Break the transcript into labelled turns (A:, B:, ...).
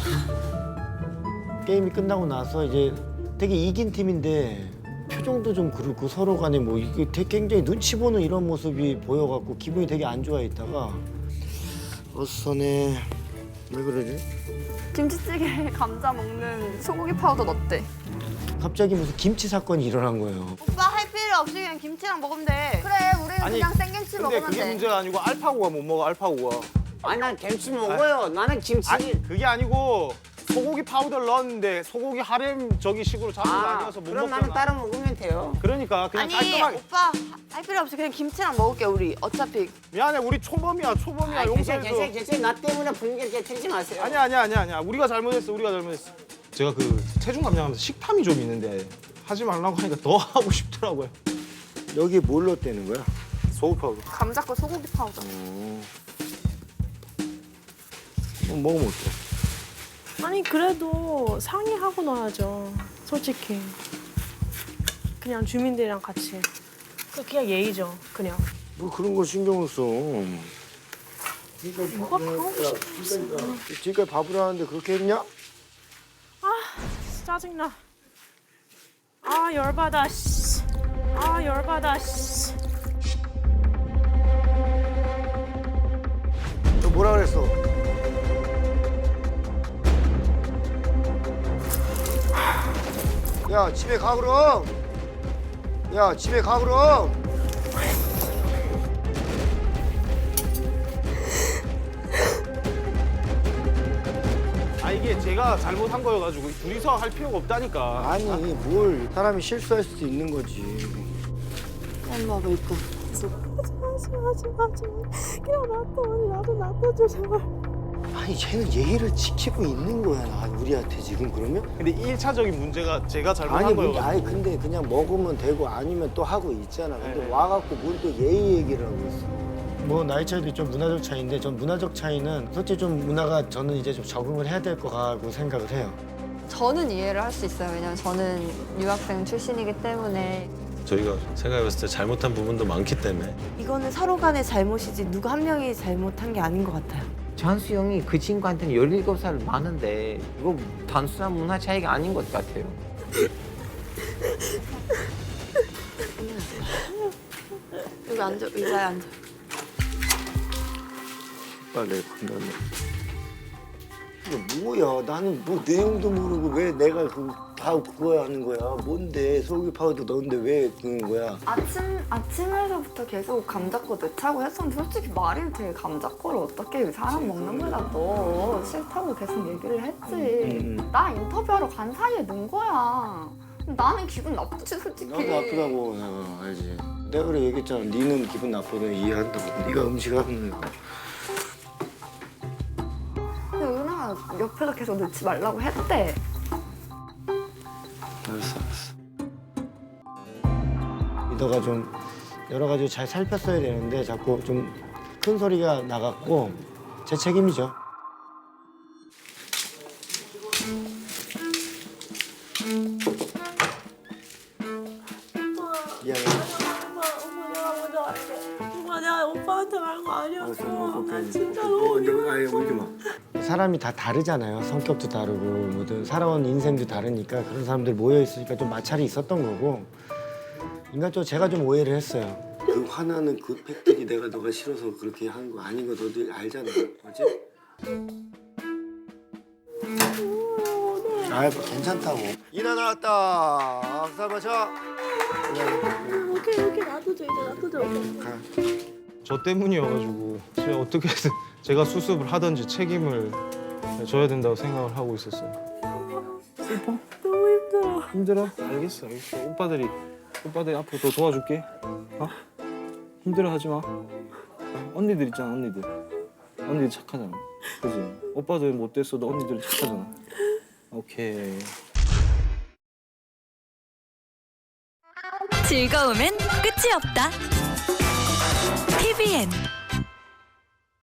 A: 게임이 끝나고 나서 이제 되게 이긴 팀인데 표정도 좀 그렇고 서로 간에 뭐 이게 되게 굉장히 눈치 보는 이런 모습이 보여갖고 기분이 되게 안 좋아 있다가 어서네 왜 그러지?
B: 김치찌개에 감자 먹는 소고기 파우더 넣었대.
A: 갑자기 무슨 김치 사건이 일어난 거예요.
B: 오빠 할 필요 없이 그냥 김치랑 먹으면 돼. 그래, 우리는
C: 아니,
B: 그냥 생김치
C: 근데
B: 먹으면
C: 그게
B: 돼.
C: 문제가 아니고 알파고가 못 먹어, 알파고가.
D: 아니 난 김치 먹어요. 나는 김치.
C: 아니, 그게 아니고 소고기 파우더를 넣었는데 소고기 하렘 저기 식으로 잡은 거 아니어서 못
D: 그럼
C: 먹잖아.
D: 나는 따로 먹으면 돼요.
C: 그러니까 그냥
B: 아니,
C: 깔끔하게.
B: 오빠 할 필요 없이 그냥 김치랑 먹을게, 우리. 어차피.
C: 미안해, 우리 초범이야, 초범이야.
D: 아니,
C: 용서해줘.
D: 괜찮아. 나 때문에 분위기 깨트리지 마세요.
C: 아니야. 우리가 잘못했어, 우리가 잘못했어. 제가 그 체중 감량하면서 식탐이 좀 있는데 하지 말라고 하니까 더 하고 싶더라고요.
A: 여기 뭘 넣었다는 거야?
C: 소고기 파우더.
B: 감자 거 소고기 파우더.
A: 먹으면 어때?
E: 아니 그래도 상의하고 넣어야죠. 솔직히. 그냥 주민들이랑 같이. 그냥 예의죠. 그냥.
A: 뭐 그런 거 신경을 써.
E: 뭐가 하고 싶어.
A: 지금까지 밥을 하는데 그렇게 했냐?
E: 짜증나. 아 열받아. 씨. 아 열받아. 씨.
A: 너 뭐라 그랬어? 야 집에 가 그럼. 야 집에 가 그럼.
C: 아, 이게 제가 잘못한 거여가지고 둘이서 할 필요가 없다니까.
A: 아니 뭘 사람이 실수할 수도 있는 거지.
B: 일로 와봐, 이거.
E: 하지 마. 그냥 놔둬. 언니 나도 놔둬줘 제발.
A: 아니 쟤는 예의를 지키고 있는 거야 나 우리한테 지금 그러면?
C: 근데 1차적인 문제가 제가 잘못한
A: 아니
C: 거여가지고.
A: 아니 근데 그냥 먹으면 되고 아니면 또 하고 있잖아. 근데
C: 네.
A: 와갖고 뭘 또 예의 얘기를 하고 있어. 뭐 나이 차이도 있죠. 문화적 차이인데 전 문화적 차이는 솔직히 좀 문화가 저는 이제 좀 적응을 해야 될 것 같고 생각을 해요.
B: 저는 이해를 할 수 있어요. 왜냐면 저는 유학생 출신이기 때문에.
F: 저희가 생각해봤을 때 잘못한 부분도 많기 때문에
G: 이거는 서로 간의 잘못이지 누구 한 명이 잘못한 게 아닌 것 같아요.
D: 장수 형이 그 친구한테는 17살 많은데 이거 단순한 문화 차이가 아닌 것 같아요.
B: 여기 앉아, 의자에 앉아.
A: 빨리 건너네. 이게 뭐야? 나는 뭐 내용도 모르고 왜 내가 다 그거 하는 거야? 뭔데 소고기 파우더 넣었는데 왜 그런 거야?
B: 아침에서부터 계속 감자거 넣자고 했었는데 솔직히 말이 돼. 감자거를 어떻게 사람 먹는 거다 너 싫다고 계속 얘기를 했지. 나 인터뷰하러 간 사이에 넣은 거야. 나는 기분 나쁘지 솔직히.
A: 나도 아프다고 알지. 내가 그래 얘기했잖아. 니는 기분 나쁘면 이해한다고. 네가 음식하는 거.
B: 근데 은하가 옆에서 계속 넣지 말라고 했대.
A: 알았어. 리더가 좀 여러 가지 잘 살폈어야 되는데 자꾸 좀 큰 소리가 나갔고 제 책임이죠. 미안해.
E: 엄마 내가 먼저 갈게. 엄마 내가 오빠한테 말한 거 아니었어. 나 진짜
A: 어,
E: 너무
A: 아예 울지 마. 사람이 다 다르잖아요. 성격도 다르고 뭐든 살아온 인생도 다르니까 그런 사람들 모여 있으니까 좀 마찰이 있었던 거고 인간적으로 제가 좀 오해를 했어요. 그 화나는 그 팩들이 내가 너가 싫어서 그렇게 한 거 아닌 거 너도 알잖아, 그렇지? 아, 괜찮다고. 이나 나왔다. 악사 마셔.
E: 오케이 놔둬줘 이제 놔둬줘.
A: 가.
C: 저 때문이어가지고 제가 어떻게든 제가 수습을 하든지 책임을 져야 된다고 생각을 하고 있었어요. 슬퍼?
E: 너무 힘들어.
C: 힘들어? 알겠어. 오빠들이 앞으로 더 도와줄게. 어? 힘들어하지 마. 언니들 있잖아, 언니들. 언니들 착하잖아. 그지? 오빠들 못됐어도 언니들 착하잖아. 오케이.
H: 즐거움엔 끝이 없다. TVN